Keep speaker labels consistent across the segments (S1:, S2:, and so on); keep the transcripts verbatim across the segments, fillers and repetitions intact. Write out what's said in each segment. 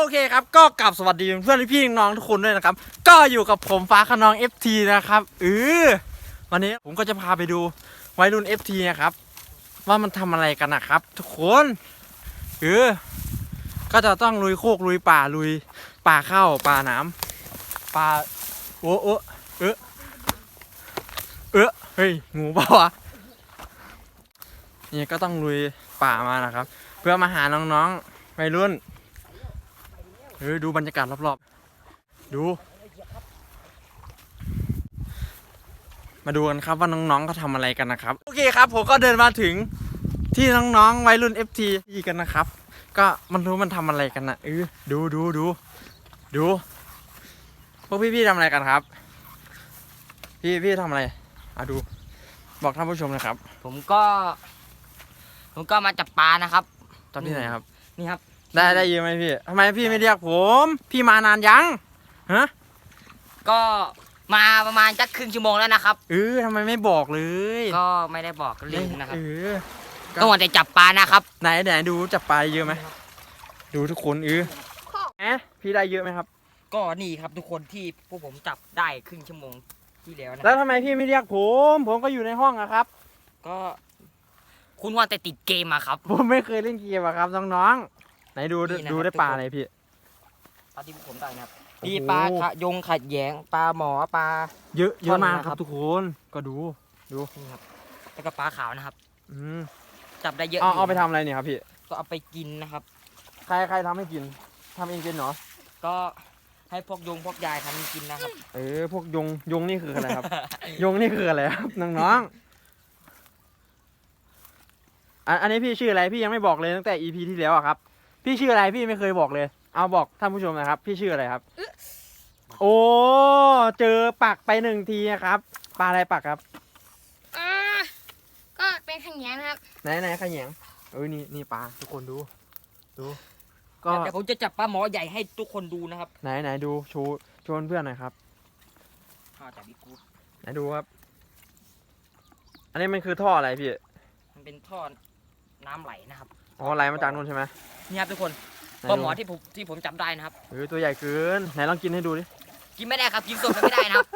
S1: เคครับก็กลับสวัสดีเพื่อนพี่น้องทุกคนด้วยนะครับก็อยู่กับผมฟ้าขนอง เอฟ ที นะครับเออวันนี้ผมก็จะพาไปดูวัยรุ่น เอฟ ที นะครับว่ามันทำอะไรกันนะครับทุกคนเออก็จะต้องลุยโคกลุยป่าลุยป่าเข้าป่าน้ำป่าโอ้โอ้เออเออเฮ้ยงูเปล่าวะนี่ก็ต้องลุยป่ามานะครับเพื่อมาหาน้องๆวัยรุ่นเออดูบรรยากาศรอบๆดูมาดูกันครับว่าน้องๆเขาทำอะไรกันนะครับโอเคครับผมก็เดินมาถึงที่น้องๆวัยรุ่น เอฟ ที กันนะครับก็มันรู้มันทำอะไรกันนะเออดูดูดูดูพวกพี่ๆทำอะไรกันครับพี่พี่ทำอะไรอ่ะดูบอกท่านผู้ชมนะครับ
S2: ผมก็ ผมก็มาจับปลานะครับ
S1: ตอนที่ไหนครับ
S2: นี่ครับ
S1: ได้ได้เยอะไหมพี่ทำไมพี่ไม่เรียกผมพี่มานานยังฮะ
S2: ก็มาประมาณจักครึ่งชั่วโมงแล้วนะครับ
S1: เออทำไมไม่บอกเลย
S2: ก็ไม่ได้บอกลืมนะครับ
S1: เออ
S2: ต้องวันแต่จับปลานะครับ
S1: ไหนไหนดูจับปลาเยอะไหมดูทุกคนเออแหมพี่ได้เยอะไหมครับ
S2: ก็นี่ครับทุกคนที่พวกผมจับได้ครึ่งชั่วโมงที่แล้วนะ
S1: แล้วทำไมพี่ไม่เรียกผมผมก็อยู่ในห้องอะครับ
S2: ก็คุณว่าแต่ติดเกมอะครับ
S1: ผมไม่เคยเล่นเกมอะครับน้องๆไหนดู
S2: นี่นะครับ
S1: ดูได้ปลาอะไรพี่
S2: ปลาที่พวกผมได้นะครับ
S1: โอ้โห
S2: มีปลาขะยงขัดแยงปลาหมอปลา
S1: เยอะเยอะมาก
S2: ท่อนนะ
S1: ค
S2: ครั
S1: รับบ ทุกคนก็ดูดู
S2: นี่ครับแล้วก็ปลาขาวนะครับ
S1: อืม
S2: จับได้เยอะ
S1: เอา
S2: ยู่
S1: เอาไปทำอะไรเนี่ยครับพี่
S2: ก็เอาไปกินนะครับ
S1: ใครใครทำให้กินทำเองกินเหรอ
S2: ก็ให้พวกยงพวกยายทำกินนะครับ
S1: เออพวกยงยงนี่คืออะไรครับ ยงนี่คืออะไรครับน้องๆอันอันนี้พี่ชื่ออะไรพี่ยังไม่บอกเลยตั้งแต่ อี พี ที่แล้วอะครับพี่ชื่ออะไรพี่ไม่เคยบอกเลยเอาบอกท่านผู้ชมนะครับพี่ชื่ออะไรครับโอ้เจอปักไปหนึ่งทีนะครับปลาอะไรปักครับ
S3: อ่าก็เป็นขยงนะครับ
S1: ไหนไหนขยงเออนี่นี่ปลาทุกคนดูดูก็
S2: เดี๋ยวผมจะจับปลาหมอใหญ่ให้ทุกคนดูนะครับ
S1: ไหนไหนดูโชว์โชว์เพื่อนหน่อยครับ
S2: ข้าวจากบิ๊กกูด
S1: ไหนดูครับ อันนี้มันคือท่ออะไรพี่
S2: มันเป็นท่อน้ำไหลนะครับ
S1: อ๋อไหลมาจากนู่นใช่ไหม
S2: นี่ครับทุกคน
S1: ไหน
S2: ปลา
S1: ดู
S2: หมอที่ผมที่ผมจับได้นะครับ
S1: เออตัวใหญ่เกินไหนลองกินให้ดูดิ
S2: กินไม่ได้ครับกินสดมันไม่ได้นะครับ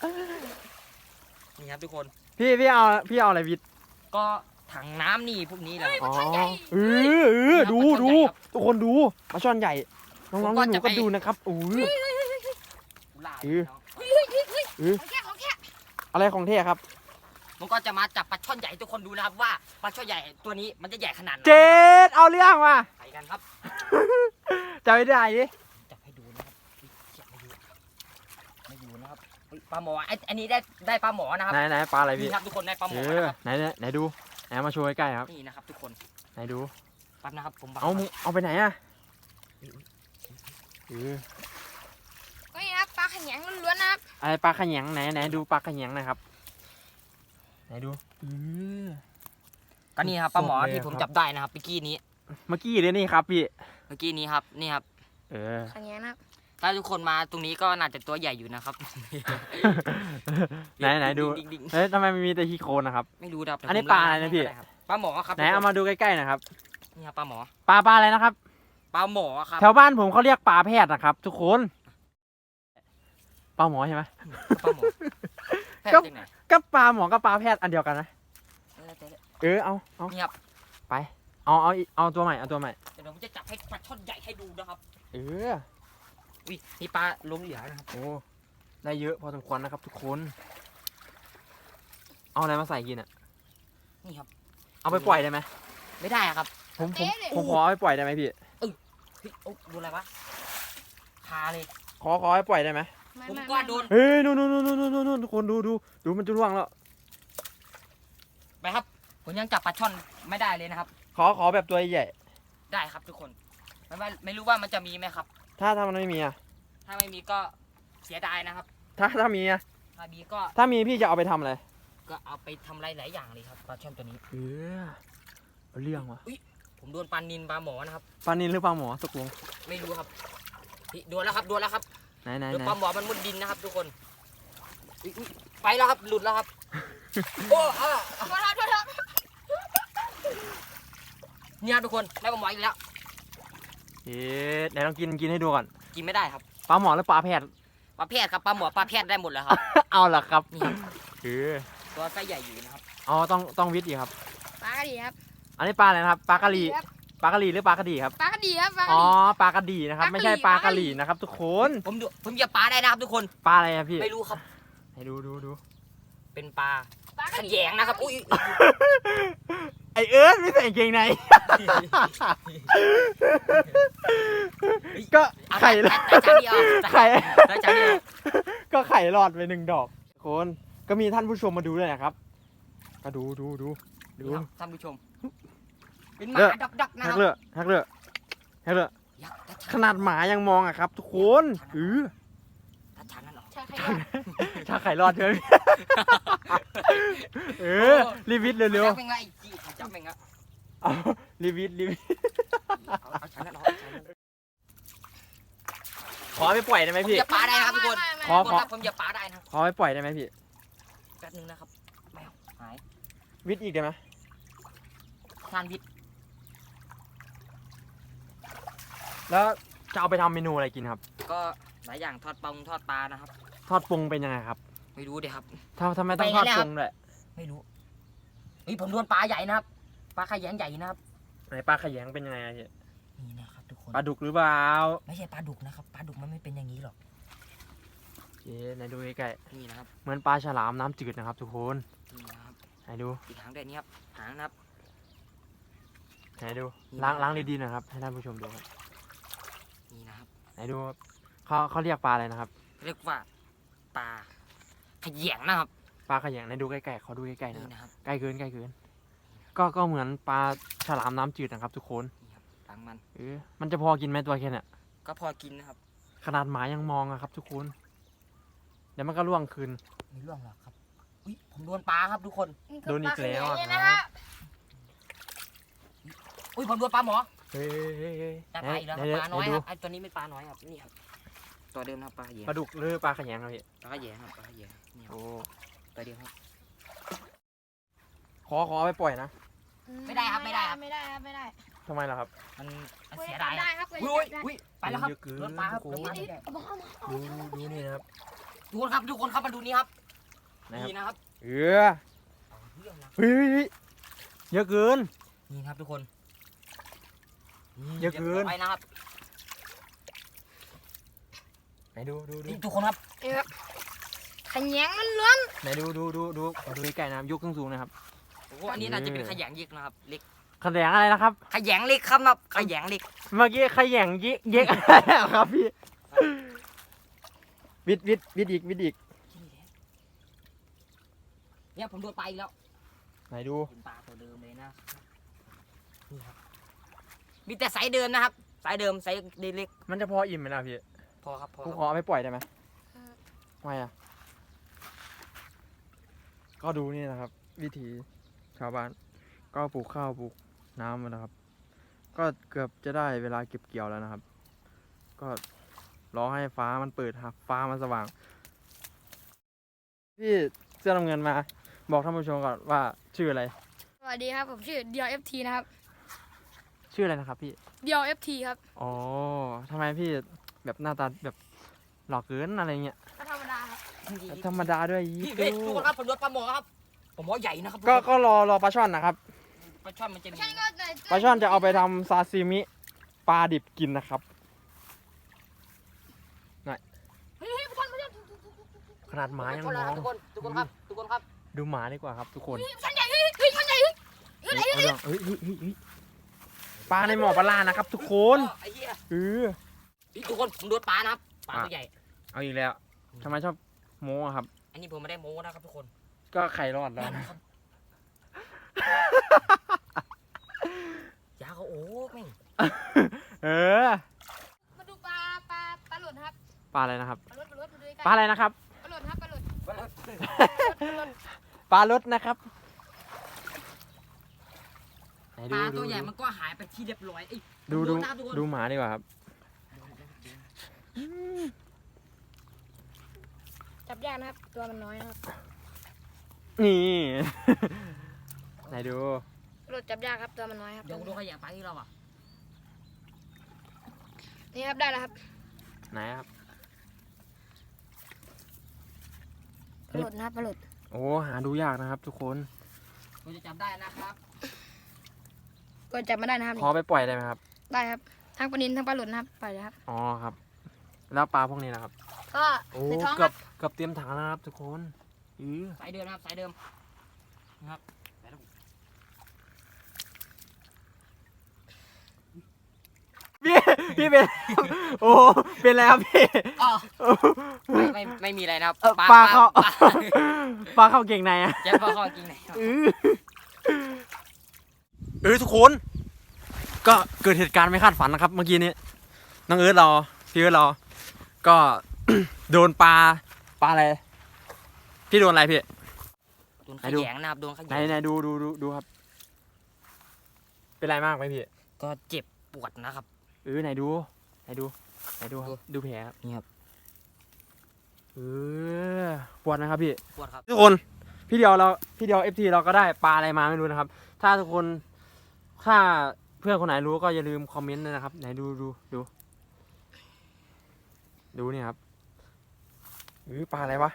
S2: นี่ครับทุกคน
S1: พี่พี่เอาพี่เอาอะไรวิทย์
S2: ก็ถังน้ำนี่พวกนี้แหละ
S1: อ๋อเออเออดูดูทุกคนดูปลาช่อนใหญ่น้องๆหนูๆก็ดูนะครับโอ้ย
S2: ลา
S1: เออ เออ
S3: ของแค่ของแค่
S1: อะไรของเท่ครับ
S2: ผมก็จะมาจับปลาช่อนใหญ่ให้ทุกคนดูนะครับว่าปลาช่อนใหญ่ตัวนี้มันจะใหญ่ขนาดไหน
S1: เจ็ดเอาเรื่องมา
S2: ไปกันครับ
S1: จะไม่ได้ดิ
S2: จับให้ดูนะครับอุ๊ยเก็บไม่อยู่ไม่อยู่นะครับอุ๊ยปลาหมอไอ้อันนี้ได้ได้ปลาหมอนะครับ
S1: ไหนไหนปลาอะไร
S2: นี่
S1: พี่
S2: ครับทุกคนได้ปลาหม
S1: เอ
S2: อ
S1: อ
S2: นะครับ
S1: ไหนไหนไหนดูไหนมาโชว์ใกล้ๆครับ
S2: นี่นะครับทุกคน
S1: ไหนดู
S2: แป๊บนะครับผมบัง
S1: เอามึงเอาไปไหนอะเออ
S3: ก็นี่นะครับปลาขยงล้วนๆนะครับ
S1: อะไรปลาขยงไหนไหนดูปลาขยงหน่อยครับไหนดูเออ
S2: ก็นี่ครับปลาหมอ
S1: สดเลย
S2: ที่ผม
S1: ครับ
S2: จับได้นะครับเมื่อกี้นี้
S1: เมื่อกี้เลยนี่ครับพี่
S2: เมื่อกี้นี้ครับนี่ครับ
S1: เออ
S3: ขยงนะครับ
S2: ถ้าทุกคนมาตรงนี้ก็น่าจะตัวใหญ่อยู่นะครับ
S1: ไหนไหนดู
S2: ดิ่งๆ
S1: เฮ้ยทำไมมันมีแต่ขี้โคลนนะครับ
S2: ๆไม่รู้ครับแต่
S1: อันนี้
S2: ผม
S1: ปลาอะไรนะพี่
S2: ด้ครับปลาหมอครับ
S1: ไหนเอามาดูใกล้ๆหนะครับ
S2: นี่ครับปลาหมอ
S1: ปลาปลาอะไรนะครับ
S2: ปลาหมอครับ
S1: แถวบ้านผมเขาเรียกปลาแพทย์นะครับ ทุกคนปลาหมอใช่ไหม
S2: ปลาหมอแพทย์
S1: ก็
S2: จากไหน
S1: ก็ปลาหมอกับปลาแพทย์อันเดียวกันนะ
S2: เออเดี๋ยว
S1: เออเอาเอา
S2: นี่ครับ
S1: เอาเอาอีกเอาตัวใหม่เอาตัวใหม่
S2: เดี๋ยวผมจะจับให้ปลาช่อนใหญ่ให้ดูนะครับ
S1: เออ
S2: อุ้ยนี่ปลาล้มเหลือนะครับ
S1: โอ้ได้เยอะพอสมควรนะครับ ทุกคน เอาอะไรมาใส่กินอ่ะ
S2: นี่ครับ
S1: เอาไปปล่อยได้ไหม
S2: ไม่ได้อะครับ
S1: ผมผมผมขอเอาไปปล่อยได้ไหมพี่
S2: เฮ้ยโอ้ดูอะไรวะคาเลย
S1: ขอขอให้ปล่อยได้ไหม
S3: ไม่
S2: ผม
S3: ไม่
S2: ก็
S3: ไม่
S2: โดน
S1: เฮ้ยนู่นนู่นนู่นนู่นนู่นทุกคนดูดูดูมันจะร่วงแล้ว
S2: ไปครับผมยังจับปลาช่อนไม่ได้เลยนะครับ
S1: ขอขอแบบตัวใหญ่
S2: ได้ครับทุกคนไม่ว่าไม่รู้ว่ามันจะมีไหมครับ
S1: ถ้าถ้ามันไม่มีอ่ะ
S2: ถ้าไม่มีก็เสียดายนะครับ
S1: ถ้าถ้ามีอ่ะ
S2: ถ้ามีก็
S1: ถ้ามีพี่จะเอาไปทำอะไร
S2: ก็เอาไปทำอะไรหลายอย่างเลยครับปลาช่อนตัวนี้
S1: เออเอาเรื่องวะ
S2: ผมโดนปลานินปลาหมอนะครับ
S1: ปลานินหรือปลาหมอตกลง
S2: ไม่รู้ครับนี่โดนแล้วครับโดนแล้วครับ
S1: ไหนไหน
S2: โดน
S1: ไหน
S2: ปลาหมอมันมุดดินนะครับ ทุกคนอุ๊ยอุ๊ยไปแล้วครับหลุดแล้วครับ โอ้อ่า
S3: โทษครับโทษครับ
S2: เนี่ยทุกคนได้ปลาหมออีกแล้ว
S1: เอเอ๊ะไหนลองกินกินให้ดูก่อน
S2: กินไม่ได้ครับ
S1: ปลาหมอหรือปลาแพทย์
S2: ปลาแพทย์ครับปลาหมอปลาแพทย์ได้หมดแล้วครับ
S1: เอาล่ะครับ
S2: นี่ครับ
S1: เออ
S2: ตัวไส้ใหญ่อยู่นะครับ
S1: อ๋อต้องต้องวิทย์อีกครับ
S3: ปลากระดีครับ
S1: อันนี้ปลาอะไรนะครับปลากระหรี่
S3: ครับ
S1: ปลากระหรี่หรือปลากระดีครับ
S3: ปลากระดีครับปลากระ
S1: อ๋อ
S3: ดี
S1: ปลากระดีนะครับ ไม่ใช่ปลากระหรี่นะครับ ทุกคน
S2: ผมดูผมเหยียบปลาได้นะครับทุกคน
S1: ปลาอะไรอะพี่
S2: ไม่รู้ครับ
S1: ให้ดูดูดู
S2: เป็นปลา
S3: ปลาก
S2: ข
S3: ระดี
S2: ยงนะครับอุ้ย
S1: ไอเอิร์ธไม่ใส่กางเกงใน ก็ไข่
S2: แต่แต่จานเดียว
S1: ไข่
S2: แต่จานเดียว
S1: ก็ไข่หลอดไปหนึ่งดอกคนก็มีท่านผู้ชมมาดูด้วยนะครับ ก็ดูดูดูดู
S2: นี่ครับท่านผู้ชม เป็นห
S1: เลิ
S2: มาก ดักดักๆนะ
S1: แฮ
S2: ค
S1: ก
S2: รับ
S1: เลือแฮกเลือแฮกเลือ
S2: ยักษ์
S1: ขนาดหมายังมองอะครับ ทุกคนเออ
S2: ถ้าชันนั่นออก
S3: ใช่ใครว่า
S1: ถ้าไข่รอดใช่ไหมเออรีวิทเร็ว
S2: จับเป็นไงไอ้จี้จับเป็นไง
S1: ๆเอารีวิทรีวิท
S2: เอาเอาชันนั่นออกเอาชันนั่นออก
S1: ขอไปปล่อยได้ไหม
S2: ผม
S1: พี่
S2: เหยียบปลาได้นะครับทุกคน
S3: ไม่ไม่
S1: ขอ
S2: ทุกคนครับผมเหยียบปลาได้นะครับ
S1: ขอไปปล่อยได้ไหมพี่
S2: แป๊บนึงนะครับแมวหาย
S1: วิทอีกได้ไหม
S2: ทานวิทย์
S1: แล้วจะเอาไปทำเมนูอะไรกินครับ
S2: ก็หลายอย่างทอดปลาทอดปลานะครับ
S1: ทอดปรุงเป็นยังไงครับ
S2: ไม่รู้เดี๋ยวครับ
S1: ทำทำไมต้อง
S2: ไป
S1: ท
S2: งั้
S1: อด
S2: นเลย
S1: ป
S2: ครั
S1: รุ
S2: บ
S1: งด้วย
S2: ไม่รู้เฮ้ยผมโดนปลาใหญ่นะครับ ปลาขยงใหญ่นะครับ
S1: ไหนปลาขยงเป็นยังไงอะพี่
S2: นี่นะครับทุกคน
S1: ปลาดุกหรือเปล่า
S2: ไม่ใช่ปลาดุกนะครับ ปลาดุกมันไม่เป็นอย่างนี้หรอก
S1: เอ๊ะไหนดูใกล้
S2: นี่นะครับ
S1: ๆเหมือนปลาฉลามน้ำจืดนะครับ ทุกคน
S2: นี่นะครับ
S1: ไหนดู
S2: อีกหางด้วยนี่ครับ หางนะครับ
S1: ไหนดู
S2: นี่
S1: ล้าง
S2: นะ
S1: ล้างดีๆหนะครับให้ท่านผู้ชมดูครับ
S2: นี่นะครับ
S1: ไหนดูครับเขาเขาเรียกปลาอะไรนะครับ
S2: เรียกว่าปลาขยงนะครับ
S1: ปลาขยงไหนดูใกล้ๆเขาดูใกล้ๆนะ
S2: นี่
S1: ครับ
S2: นะครับ
S1: ใกล้เกินใกล้เกิน ก็ก็เหมือนปลาฉลามน้ำจืดนะครับ ทุกคน
S2: นี่ครับหลังมัน
S1: เออมันจะพอกินไหมตัวแค่เนี้ย
S2: ก็พอกินนะครับ
S1: ขนาดหมายังมองอะครับ ทุกคน เดี๋ยวมันก็ล่วงคืน
S2: ไม่ร่วงหรอกครับ อุ้ยผมโดนปลาครับทุกคน
S1: โดนอีกแล้วอะ
S3: นี่คือปาขยงนะครับ
S2: อุ้ยผมโดนปลาหมอ
S1: เฮ้ยเฮ้ยเฮ้ย
S2: ได้ปลาอีกแล้วครับ
S1: ไห
S2: ปลาน้อย
S1: ไห
S2: ค
S1: ดู
S2: รับ ไอ้ตัวนี้เป็นปลาน้อยครับ นี่ครับ ตัวเดิมนะครับปลาขยง
S1: ปลาดุกหรือปลาขยงครับพี่
S2: ปลาขยงครับปลาขยงนี่ครับ
S1: โอ้
S2: ตัวเดียวครับ
S1: ขอขอเอาไปปล่อยนะ
S2: ไม่ได้ครับไม่ได้ครับ
S3: ไม่ได้ครับไม่ได้
S1: ทำไมล่ะครับ
S2: มันมัน
S3: คุย
S2: เสีย
S3: กั
S2: ดาน ย
S3: ได้
S2: อะ
S3: ครับคุย
S2: อุ้ย
S3: กันได้
S2: อุ้ยไปแล้วครับ
S1: เยอะเกิน
S2: โดนปลาครับ
S1: โอ้
S2: โด
S1: โห
S2: นปลาใหญ่
S3: เอาบอกเอาบอก
S1: ดูดูดูนี่นะครับ
S2: ทุกคนครับทุกคนครับมาดูนี่ครับ
S1: นะครับ
S2: นี่นะครับ
S1: เออ
S2: เอาเรื่องนะ
S1: เฮ้ยเฮ้ยเฮ้ยเยอะเกิน
S2: นี่ครับทุกคน
S1: เยอะเกิน
S2: ไปนะครับ
S1: ไหนดูดูดู
S2: นี่ทุกคนครับ
S3: นี่ครับขยงมันล้วน
S1: ไหนดูดูดูดูขอดูใกล้ๆนะครับยกขึ้นสูงนะครับ
S2: โอ้โหอันนี้น่าจะเป็นขยงยิกนะครับเล็ก
S1: ขยงอะไรนะครับ
S2: ขยงเล็กครับนะขยงเล็ก
S1: เมื่อกี้ขยงยิเย็กอะไรอะครับพี่ วิดวิดวิดอีกวิดอีก
S2: เนี่ยผมโดนปลาอีกแล้ว
S1: ไหนดู
S2: เป็นปลาตัวเดิมเลยนะนี่ครับมีแต่ไซส์เดิมนะครับไซส์เดิมไซส์เล็ก
S1: มันจะพออิ่มไหมล่ะพี่
S2: ๆพอครับพอ
S1: กู
S2: ค
S1: ข
S2: รับ
S1: อเอาไปปล่อยได้ไหมไม่อะก็ดูนี่นะครับ วิถีชาวบ้าน ก็ปลูกข้าวปลูกน้ำมานะครับ ก็เกือบจะได้เวลาเก็บเกี่ยวแล้วนะครับ ก็รอให้ฟ้ามันเปิดครับฟ้ามันสว่าง พี่เสื้อน้ำเงินมา บอกท่านผู้ชมก่อนว่าชื่ออะไร
S3: สวัสดีครับผมชื่อเดียวเอฟทีนะครับ
S1: ชื่ออะไรนะครับพี่
S3: เดียวเอฟทีครับ
S1: อ๋อทำไมพี่แบบหน้าตาแบบหล่อเกินอะไรเงี้ย
S3: ก็ธรรมดาครับ
S1: ธรรมดาด้วย
S2: นี่
S1: ยี่
S2: เฮ้ยทุกคนครับผมโดนปลาหมอครับปลาหมอใหญ่นะครับ
S1: ก็ก็รอรอปลาช่อนนะครับ
S2: ปลาช่อนมันจะมี
S3: ใช่ก็ไหน
S1: ปลาช่อนจะเอาไปทำซาซิมิปลาดิบกินนะครับ
S3: เฮ้ยเฮ้ยทุกคนทุกคน
S1: ขนาดหมายัง
S2: ทุกคน
S1: ม
S2: ค
S1: อ
S2: รับ
S1: ง
S2: ทุกคนทุกคนครับทุกคนครับ
S1: ดูหมาดีกว่าครับทุกคน
S3: มันใหญ่เฮ้ยเฮ้ยมันใหญ่เฮ้ย
S1: เฮ้ยเอาเรื่องเฮ้ยเฮ้ยเฮ้ยเฮ้ยปลาในหมอปลาลานะครับ ทุกคน
S2: ไอ้เหี้ย
S1: เออ
S2: นี่ทุกคนผมโดนปลานะครับปลาตัวใหญ่
S1: เอาอีกแล้วทำไมชอบโม้อะครับ
S2: อันนี้ผมไม่ได้โม้นะครับทุกคน
S1: ก็ไข่รอดแล้ว
S2: นั่นนะครับยาเขาโอ้แม่ง
S1: เออ
S3: มาดูปลาปลาปลาหลุดครับ
S1: ปลาอะไรนะครับ
S3: ปลาหลุดปลาหลุดมาดูใกล้
S1: ปลาอะไรนะครับ
S3: ปลาหลุดครับปลาหลุด
S1: ปลารสนะครับไหน
S2: ป
S1: ดู
S2: ลา
S1: ดู
S2: ตัวใหญ่มันก็หายไปที่เรียบร้อยเอ้ย
S1: ดูดู
S2: นะครับทุกคน
S1: ดูหมาดีกว่าครับ
S3: จับยากนะครับตัวมันน้อยนะครับ
S1: นี่ ไหนดู
S3: ปลาหลุดจับยากครับตัวมันน้อยครับ
S2: เดี๋ยวดูขยะปลาที่เราอ่ะ
S3: นี่ครับได้แล้วครับ
S1: ไหนครับ
S3: ปลาหลุดนะครับปลาหลุด
S1: โอ้หาดูยากนะครับ ทุกคน
S2: ผมจะจับได้นะครับ
S3: ก็จับมาได้นะครับ
S1: พอไปปล่อยได้ไหมครับ
S3: ได้ครับทั้งปลานิลทั้งปลาหลุดนะครับไปเลยครับ
S1: อ๋อครับ แล้วปลาพวกนี้นะครับ
S3: ก็
S1: โอ้
S3: ในท้องค
S1: เกือ
S3: รั
S1: บบ เกือบเตรียมถังแล้วนะครับ ทุกคนอือ
S2: สายเดิมนะครับสายเดิมนะครับสายเดิม
S1: พี่พี่เป็น โอ้เป็นอะไรครับพี่
S2: อ๋อไม่ไม่ไม่มีอะไรนะครับ
S1: เอ่อปลาเข้า
S2: ปลา
S1: ปลาเข้าเก่งในอะ
S2: จะปลาเข้ากินไหนครับ
S1: เออเออทุกคน ก็เกิดเหตุการณ์ไม่คาดฝันนะครับ เมื่อกี้นี้น้องเอิร์ธเราพี่เอิร์ธเรา ก็ โดนปลาปลาอะไรพี่โดนอะไรพี่
S2: โดนข
S1: ไหนดู
S2: ยงนะครับโดนขย
S1: ไหน
S2: ง
S1: ไหนดูดูดูดูครับ เป็นไรมากไหมพี่
S2: ก็เจ็บปวดนะครับ
S1: เออไหนดูไหนดูไหนดูครับดูแผลครับ
S2: นี่ครับ
S1: เออปวดนะครับพี่
S2: ปวดครับ
S1: ทุกคนพี่เดียวเราพี่เดียวเอฟทีเราก็ได้ปลาอะไรมาไม่รู้นะครับ ถ้าทุกคนถ้าเพื่อนคนไหนรู้ก็อย่าลืมคอมเมนต์ด้วยนะครับ ไหนดูดูดูดูนี่ครับอือปลาอะไรวะ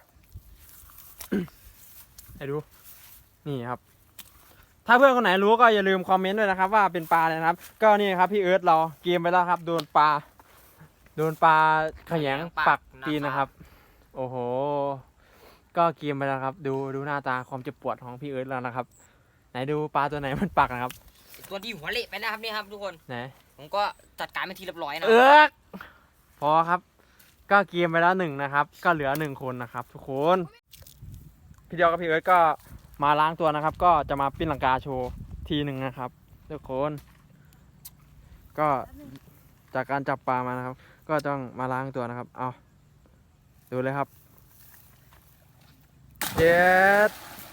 S1: ไหนดูนี่ครับ ถ้าเพื่อนคนไหนรู้ก็อย่าลืมคอมเมนต์ด้วยนะครับ ว่าเป็นปลาอะไรนะครับ ก็นี่ครับพี่เอิร์ธเราเกมไปแล้วครับ โดนปลาโดนปลาแขยงปักตีนนะครับ โอ้โห ก็เกมไปแล้วครับ ดูดูหน้าตาความเจ็บปวดของพี่เอิร์ธแล้วนะครับ ไหนดูปลาตัวไหนมันปักนะครับ
S2: ตัวที่หัวเละไปนะครับนี่ครับทุกคน
S1: ไหน
S2: ผมก็จัดการเป็นทีเรียบร้อยนะ
S1: เอิร์กพอครับ ก็เกมไปแล้วหนึ่งนะครับ ก็เหลือหนึ่งคนนะครับ ทุกคนพี่เดียวกับพี่เอิร์ธก็มาล้างตัวนะครับ ก็จะมาปิ้นลังกาโชว์ทีหนึ่งนะครับ ทุกคน ก็จากการจับปลามานะครับ ก็ต้องมาล้างตัวนะครับ เอาดูเลยครับเจ็ด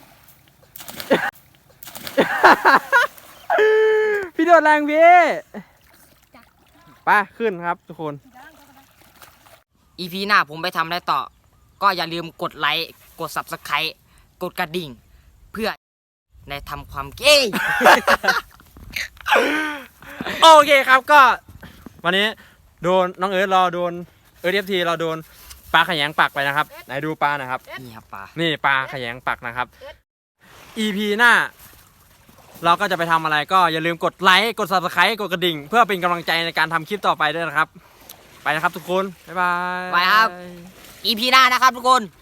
S1: พี่โดดแรงพี่ไปขึ้นครับทุกคน
S2: อีพีหน้าผมไปทำอะไรต่อ ก็อย่าลืมกดไลค์กด ซับสไครบ์ กดกระดิ่ง เพื่อในทำความเก้
S1: โอเคครับก็ วันนี้โดนน้องเอิร์ธเราโดนเอิร์ธเอฟทีเราโดนปลาขยงปักไปนะครับ ไหนดูปลาหนะครับ
S2: นี่ครับปลา
S1: นี่ปลาขยงปักนะครับ อี พี หน้า เราก็จะไปทำอะไรก็อย่าลืมกดไลค์กด ซับสไครบ์ กดกระดิ่ง เพื่อเป็นกำลังใจในการทำคลิปต่อไปด้วยนะครับ ไปนะครับทุกคน บ๊ายบาย
S2: ไปครับ อีพีหน้านะครับทุกคน